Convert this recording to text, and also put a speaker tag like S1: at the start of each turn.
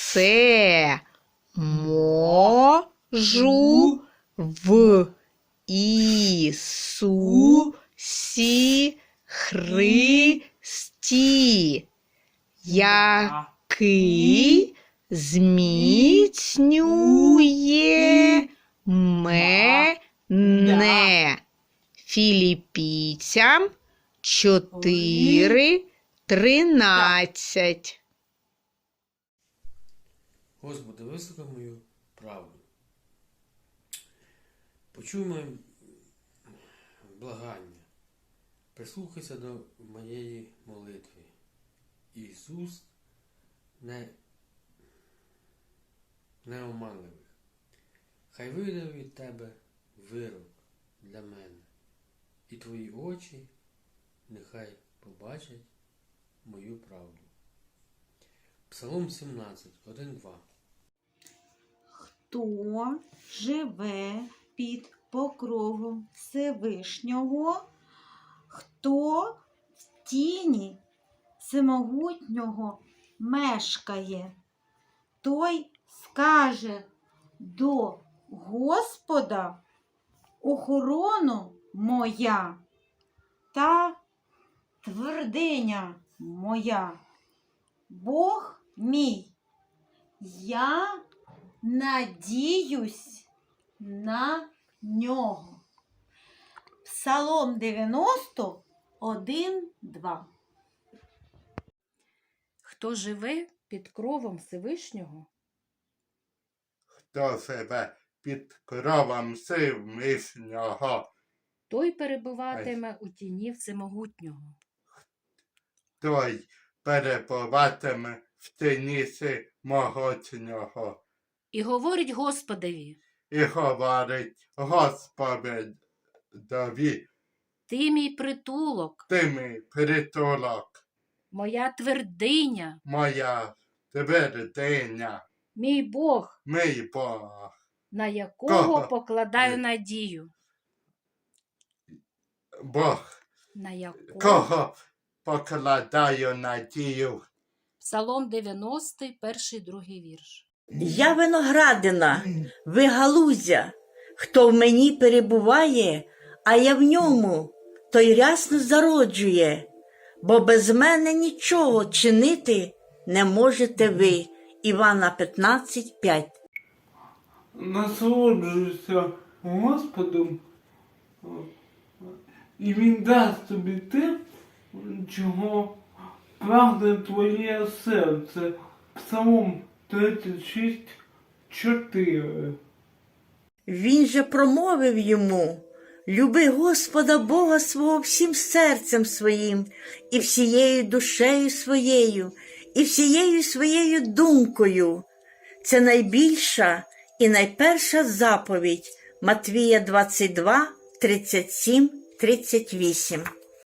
S1: це можу в Ісусі Христі, який зміцнює мене. Філіппійцям 4:13.
S2: Господи, вислухай мою правду. Почуй моє благання. Прислухайся до моєї молитви. Ісус неоманливих. Хай вийде від тебе вирок для мене. І твої очі нехай побачать мою правду. Псалом 17, 1-2.
S3: Хто живе під покровом Всевишнього, хто в тіні Всемогутнього мешкає, той скаже до Господа: охорона моя та твердиня моя, Бог мій, я надіюсь на нього. Псалом 90, 1-2.
S4: Хто живе під кровом Всевишнього,
S5: Хто живе під кровом Всевишнього,
S4: той перебуватиме у тіні Всемогутнього.
S5: той перебуватиме в тіні Всемогутнього.
S4: І говорить Господеві:
S5: І говорить Господові:
S4: ти мій притулок,
S5: ти мій притулок,
S4: моя твердиня,
S5: моя твердиня,
S4: мій Бог,
S5: мій Бог,
S4: на якого
S5: Кого?
S4: покладаю надію.
S5: Бог,
S4: На якого?
S5: кого покладаю надію.
S4: Псалом 90, 1-2 вірш.
S6: Я виноградина, ви галузя, хто в мені перебуває, а я в ньому, той рясно зароджує, бо без мене нічого чинити не можете ви. Івана 15:5.
S7: Насолоджуйся Господом, і Він дасть тобі те, чого прагне твоє серце. Псалом 36:4.
S6: Він же промовив йому: люби Господа Бога свого всім серцем своїм, і всією душею своєю, і всією своєю думкою. Це найбільша і найперша заповідь. Матвія 22:37-38.